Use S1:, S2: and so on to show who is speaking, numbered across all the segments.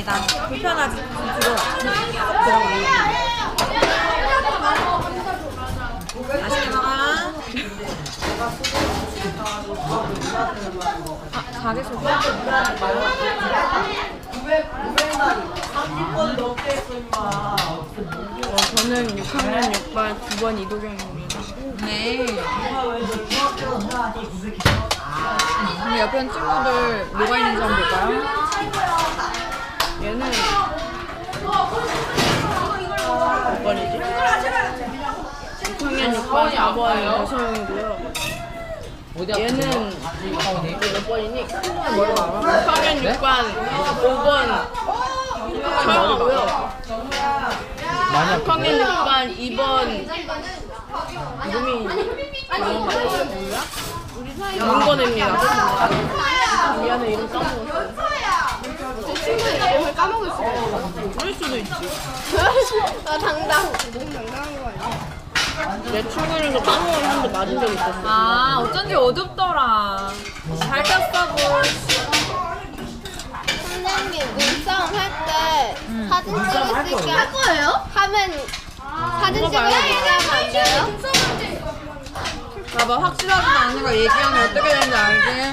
S1: 맛있다. 불편하지. 들어가. 맛있게 먹어. 아, 가게 소개?
S2: 저는 6학년 6반 9번 이도경입니다.
S1: 네. 근데 옆에 있는 친구들 뭐가 있는지 한번 볼까요?
S2: 얘는 몇 번이지? 6학년 6반 4번 배서영이고요. 얘는 몇 번이니?
S1: 머리 많아?
S2: 6학년 6반 5번 서영이고요. 6학년 6반 2번 이름이 문건입니다. 미안해, 이름 까먹었어. 제 친구 이름을 까먹었어요. 그럴 수도 있지.
S3: 나 당당. 너무 당당한 거 아니야?
S2: 내 친구 이름도 까먹었는데 맞은 적 있었어.
S1: 아, 어쩐지 어둡더라. 잘 꼈어, 뭘.
S3: 선생님 눈싸움 할 때 사진 찍을 수 있게 할 거예요? 하면 사진 찍을 수 있게 하면 안 돼요?
S1: 봐봐, 확실하지도 않은 걸 얘기하면 어떻게 되는지 알지?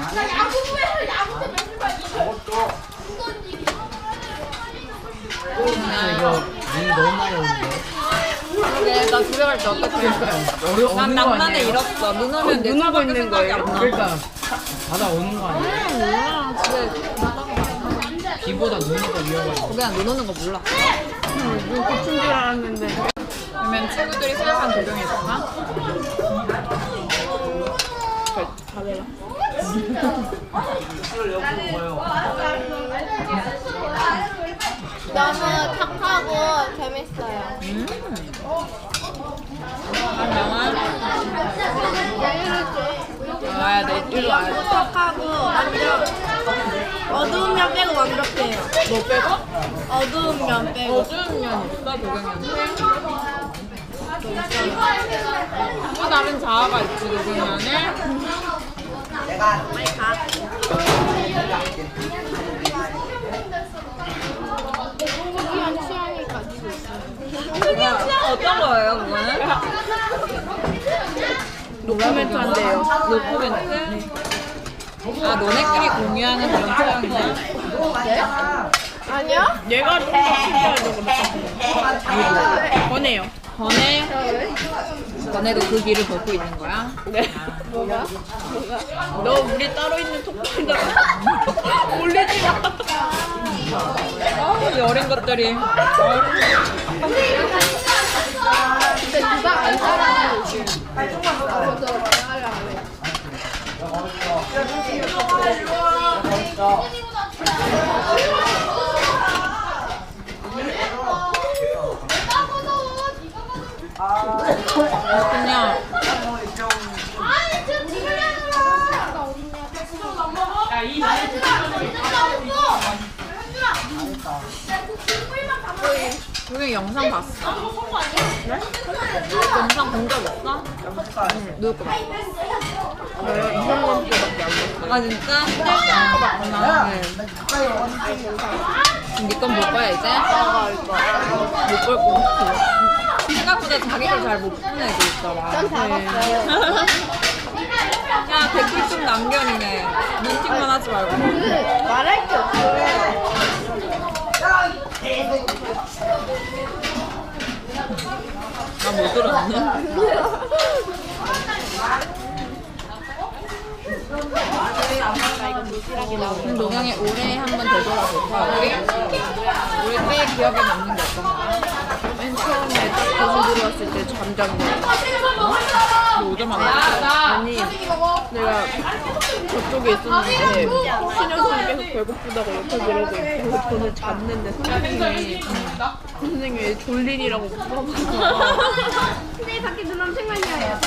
S4: 이거 눈이 너무 많이 오는데.
S1: 그래, 나 집에 갈 때 어떡해. 난 낭만을 잃었어. 눈 오면 내
S2: 눈 오고
S1: 차밖에
S2: 있는
S1: 생각이
S2: 거예요.
S1: 안 나.
S4: 그러니까 바다 오는 거 아니야?
S1: 몰라, 집에.
S4: 비보다 눈이 더 위험하지.
S1: 그냥 눈 오는 거 몰라.
S2: 눈 고친 줄 알았는데.
S1: 그러면 친구들이 생각한 도경이 있었나?
S2: 잘해라.
S3: 너무 착하고 재밌어요.
S1: 안녕아. 와야 돼. 일로 와야 돼.
S3: 착하고 완전 어두운 면 빼고 완벽해요.
S1: 뭐 빼고?
S3: 어두운 면 빼고.
S1: 어두운 면 있어, 도경이한테? 또 다른 자아가 있지, 도경이한테?
S3: 특이한 취향을 가지고 있어요.
S1: 어떤 거예요, 그거는?
S2: 노코멘트한데요.
S1: 노코멘트? 아, 너네끼리 공유하는 그런 취향이야?
S3: 아니요?
S2: 얘가 좀 더 특이하죠, 그렇다. 권해요.
S1: 전에? 너네도 그 길을 걷고 있는 거야?
S2: 네.
S3: 뭐가?
S2: 너 우리 따로 있는 톡방에다가 올리지 마.
S1: 이 어린 것들이.
S3: 근데 누가 안 따라하고 저도 대화를 안 해요.
S1: 그냥 그게 영상 봤어? 네? 영상 본 적 있어? 응. 누구 거 봤어?
S2: 저요? 이상한 거밖에 안 봤어요.
S1: 아 진짜? 거 봤구나. 니건 볼 거야 이제?
S2: 못볼 것 같아요.
S1: 생각보다 자기를 잘 못 푸는 애도 있더라.
S3: 전 다 봤어요.
S1: 야 댓글 좀 남겨니네. 눈팅만 하지 말고.
S3: 말할 게 없어요.
S1: 나 못 들었네. 그럼 노경이 올해 한 번 되돌아볼까? 우리 때 기억에 남는 게 어떤 거야?
S2: 맨 처음에 딱 거기 들어왔을 때 잠깐
S1: 너 오자마자
S2: 아니 내가 저쪽에 있었는데 신현선이 계속 배고프다고 옆에 그러고 있고 저는 잤는데 선생님이 졸린이라고 물어봐서
S3: 근데 밖에 눈 엄청 많이 와요.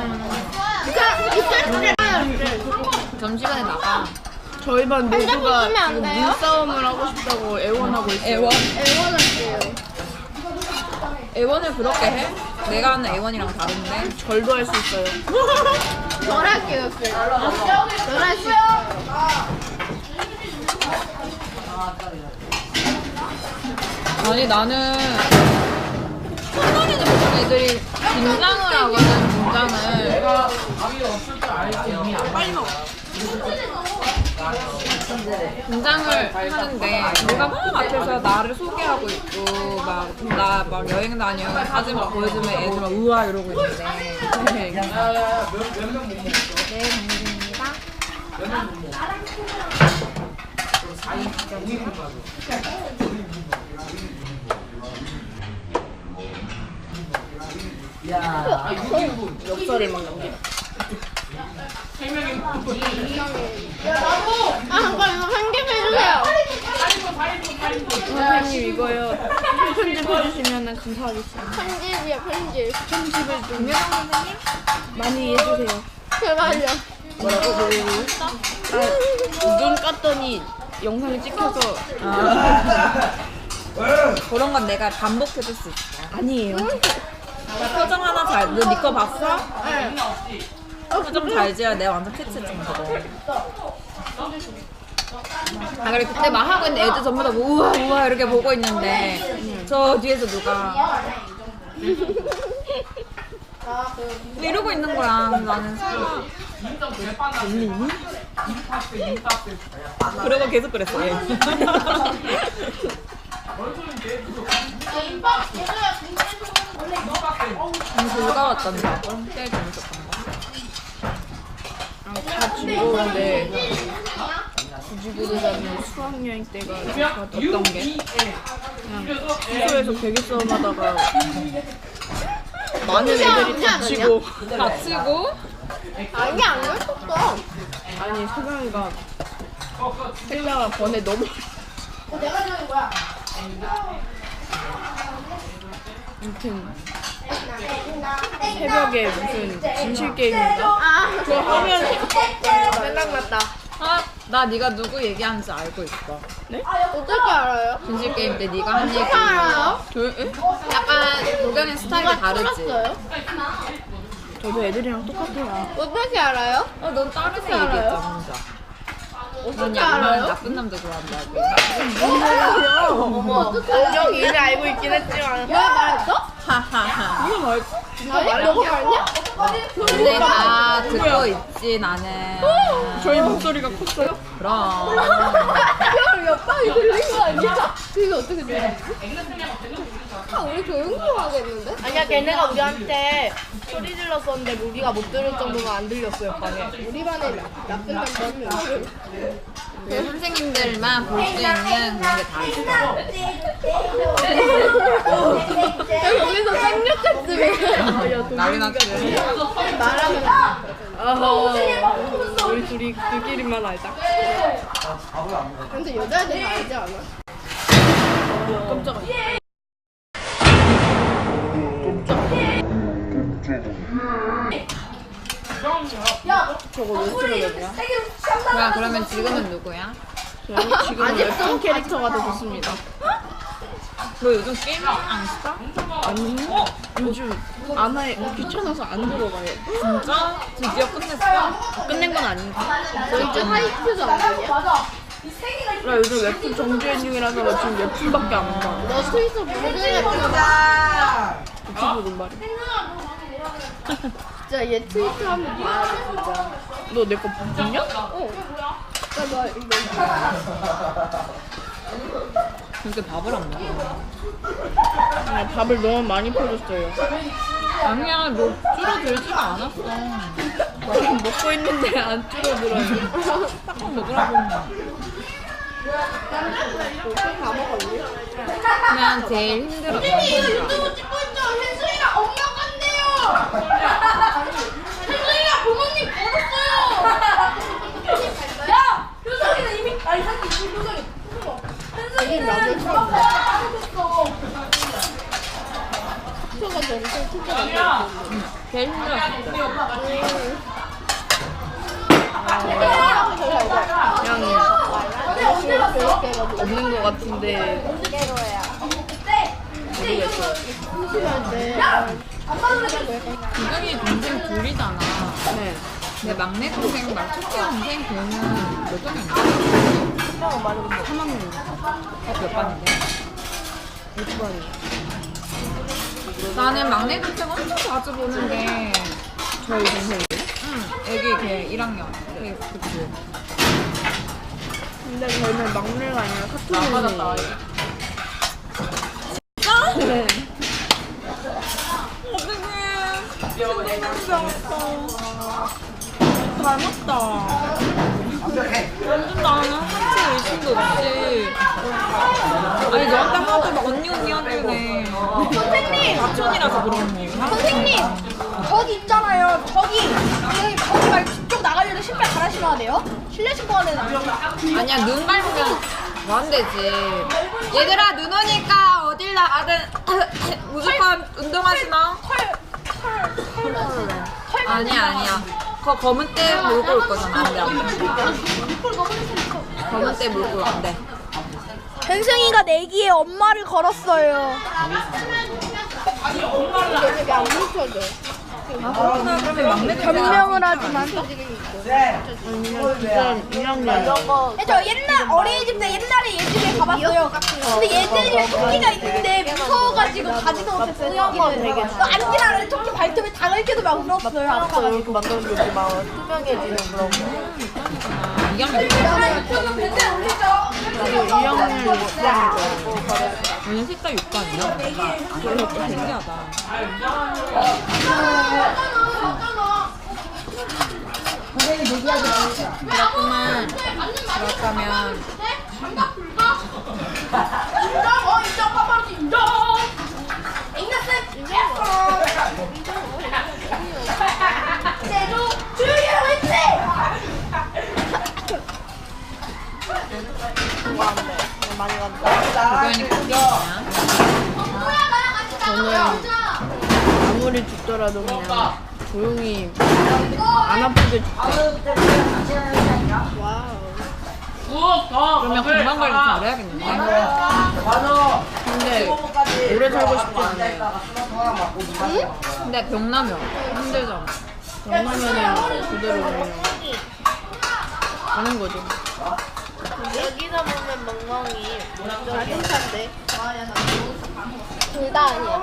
S1: 점심시간에 나가.
S2: 저희 반 모두가
S3: 있으면 안
S2: 지금
S3: 돼요?
S2: 눈싸움을 하고 싶다고 애원하고 있어요.
S1: 애원?
S3: 애원할게요.
S1: 애원을 그렇게 해? 내가 하는 애원이랑 다른데?
S2: 절도 할 수 있어요.
S3: 절 할게요. 절 할 수 있어요.
S1: 아니 나는 첫날에는 보통 애들이 김장을 하거든. 김장을
S4: 밥이 없을 줄 알지. 이미 안
S2: 빨리 먹어.
S1: 김장을 하는데 내가 막 앞에서 나를 소개하고 있고 막 나 막 여행 다녀 사진 막 보여주면 애들 막 우와 이러고 있는데 네.
S4: 몇명 못 먹어.
S1: 네 당근입니다.
S4: 몇명 못 먹어. 5인분 가져. 야, 6인분.
S2: 엽서를 막 남겨.
S3: 아, 잠깐 이거 한 개 해주세요.
S2: 선생님 이거요. 편집해주시면 감사하겠습니다.
S3: 편집이야, 편집.
S2: 편집을 좀 많이 해주세요.
S3: 제발요.
S2: 뭐라고? 눈 깠더니 영상이 찍혀서
S1: 그런 건 내가 반복해줄 수 있어.
S2: 아니에요.
S1: 표정 하나 잘, 너 네 거 봤어? 네. 표정 잘 지어야 내가 완전 캐치 좀 그거. 아 그래 그때 막 하고 있는데 애들 전부 다 우와 우와 이렇게 보고 있는데 저 뒤에서 누가 이러고 있는 거야. 나는 설마 그러고 계속 그랬어 얘. 즐거웠던데 제일 재밌었던 거.
S2: 다 즐거운데 굳이 고르자면 수학여행 때가 어떤 게 그냥 숙소에서 베개 싸움 하다가 많은 애들이 다치고
S1: 다치고
S3: 아니, 안 그랬었어.
S2: 아니 소경이가 헬라가 번에 너무
S3: 내가 저기 뭐야?
S2: 아무튼 새벽에 무슨 진실 게임인가?
S3: 아,
S2: 그거 하면 생각났다.
S1: 아 나 네가 누구 얘기하는지 알고 있어.
S3: 어떻게 알아요?
S1: 진실 게임 때 네가 한 얘기
S3: 어떻게 알아요?
S1: 약간 노경의 스타일이 다르지.
S3: 틀었어요?
S2: 저도 애들이랑 똑같아요.
S3: 어떻게 알아요?
S1: 넌 다른 애
S3: 어떻게 알아요?
S1: 얘기했잖아 혼자. 넌
S3: 어떻게
S1: 약간
S3: 알아요?
S1: 나쁜 남자 좋아한다고.
S3: 어떻게 알아요?
S2: 정이 이미 알고 있긴 했지만
S3: 내가 말했어?
S1: 하하하.
S2: 이거 말
S3: 아니, 너가 말냐?
S1: 근데 다 듣고 있지 나는.
S2: 저희 목소리가 컸어요?
S1: 그럼.
S3: 형, 옆방이 들린 거 아니야? 그게 어떻게 들렸지? 아, 우리 조용조용하겠는데?
S2: 아니야 걔네가 우리한테 소리 질렀었는데 우리가 못 들을 정도가 안 들렸어요 방에.
S3: 우리 반에 나쁜 남자 한 명. 있어요.
S1: 그 선생님들만 볼 수 있는 그런 게 다 있어.
S3: 야, 거기서 쌍욕했으면
S1: 난리 났지.
S3: 말하면
S2: 아하 우리 둘이 그끼리만 알자.
S3: 근데 여자애들 다 알지 않아?
S2: 깜짝이야. 저거 왜 틀어졌냐?
S1: 뭐야 그러면 지금은 누구야?
S2: 지금 웹툰 캐릭터가 되었습니다.
S1: 너 요즘 게임 안 했어?
S2: 아니 요즘 안 해. 귀찮아서 안 들어가요.
S1: 진짜? 드디어 끝냈어?
S2: 끝낸 건 아닌가?
S3: 너 이제 하이큐도 안 되냐?
S2: 나 요즘 웹툰 정주행 중이라서 지금 웹툰밖에 안 봐.
S3: 너 트위터 모든 애들
S2: 유튜브는 말이야.
S3: 진짜 얘 트위터 한번 봐야 돼 진짜.
S2: 너 내 거 봤냐?
S3: 어. 나 이거
S1: 근데 밥을 안 먹어.
S2: 아, 밥을 너무 많이 퍼줬어요.
S1: 아니야 너 줄어들지가 않았어.
S2: 지금 먹고 있는데 안 줄어들어요.
S1: 딱 먹으라고.
S3: 다 먹었니?
S1: 그냥 제일 힘들었던 거.
S3: 찍고 있죠. 혜수이랑 엄마 간대요. 혜수이가 부모님 걸었어요. 야, 효성이는 이미 아니 사실 효성이. 혜수이는 나도 처음. 효가 전체 투자가
S1: 제일 힘들었어.
S2: 그냥 없는 것 같은데 모르겠어.
S1: 구경이 동생 둘이잖아.
S2: 네.
S1: 내 막내 동생 말 첫째 동생 걔는 몇 학년이야?
S2: 첫방은 말해본 거 3학년.
S1: 몇 반인데?
S2: 이빨이.
S1: 나는 막내 동생 엄청 자주 보는 게
S2: 저희 동생이.
S1: 애기 걔 1학년. 그치.
S2: 근데 저희는 막내가 아니라 카톡이
S1: 맞았다.
S2: 네.
S1: 닮았다. 완전 나는 한치 의심도 없이. 아니 너한테 하도 막 언니 하길래.
S3: 선생님!
S1: 사촌이라서 그런 거.
S3: 선생님! 저기 있잖아요. 저기 말고 뒤쪽 나가려면 신발 갈아 신어야 돼요. 실내 신고 하는
S1: 아니야 눈 밟으면 뭐 안 되지. 얘들아 눈 오니까 어딜 나가든 무조건 운동하지 마. 아니야. 그거 검은 때 몰고 올 거잖아. 안 돼. 검은 때 몰고 안 돼.
S3: hen승이가 내기에 엄마를 걸었어요.
S2: 되게 안 뭉쳐져.
S1: 그러면 막내
S3: 변명을 하지만
S2: 아니면 2학년.
S3: 저 옛날 어린이집 때 옛날에 얘 집에 가봤어요. 근데 얘들이 토끼가 있는데 무서워가지고 가지도 못했어요. 토끼를. 앉으라는 토끼 발톱에 당을켜도 막 울었어요. 아빠가.
S2: 이렇게 만들어주지 마. 투명해지는 그런 거.
S1: 2학년
S2: 2학년 못
S1: 오늘 색깔 6반이야? 신기하다. 그렇구만. 그렇다면
S2: 많이 간다.
S1: 그거니 콩이냐?
S2: 저는 아무리 죽더라도 그냥 조용히 안 아프게
S1: 그러면 건강 관리 잘해야겠는데?
S2: 근데 오래 살고 싶지 않아요.
S1: 근데 병 나면 힘들잖아.
S2: 병나면은 그대로 그냥 가는 거죠.
S3: 여기서 보면 멍멍이 괜찮대. 둘 다 아니야.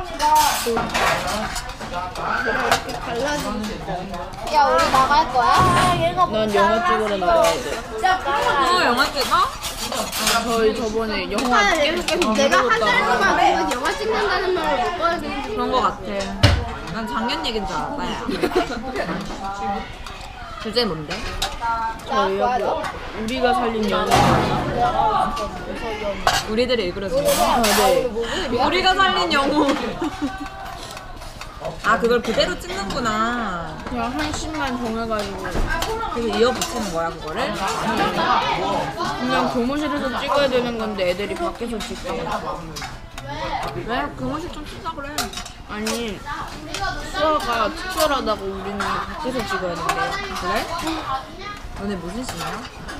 S3: 야 우리 나갈 거야? 얘가
S2: 난 영화 찍으러 나가야 돼.
S1: 영화 찍어?
S2: 저희 저번에 영화 계속
S3: 내가 한
S2: 찍었다가
S3: 달 동안 그런 영화 찍는다는 말을 못 꺼내는
S1: 그런 거 같아. 난 작년 얘기인 줄 알았다. 주제 뭔데?
S2: 저희하고 우리가 살린 영화.
S1: 우리들이 읽으려준 거.
S2: 아, 네.
S1: 우리가 살린 영웅. 아 그걸 그대로 찍는구나.
S2: 그냥 한 씬만 정해가지고
S1: 그래서 이어붙이는 거야 그거를?
S2: 그냥 교무실에서 찍어야 되는 건데 애들이 밖에서 찍대.
S1: 왜? 교무실 좀 쓰자 그래.
S2: 아니 수아가 특별하다고 우리는 밖에서 찍어야 된대.
S1: 그래? 너네 무슨 씨냐?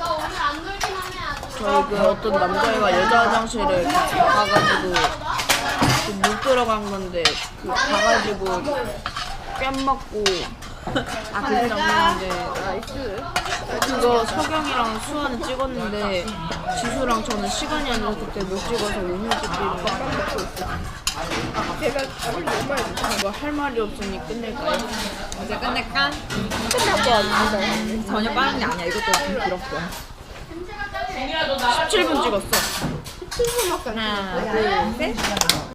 S2: 저희 그 어떤 남자애가 여자 화장실에 같이 가가지고 물 들어간 건데 그 가가지고 뺨 맞고
S1: 아 그 장면인데
S2: 그거 석영이랑 수아는 찍었는데 지수랑 저는 시간이 안 나서 그때 못 찍어서 오늘 찍기로 뺨 맞고 있어요. 제가 뭐 할 말이 없으니 끝낼까요?
S1: 이제 끝낼까?
S2: 끝났고 안
S1: 전혀 빠른 게 아니야. 이것도 좀 길었어.
S2: 17분 찍었어.
S1: 하나 둘 셋.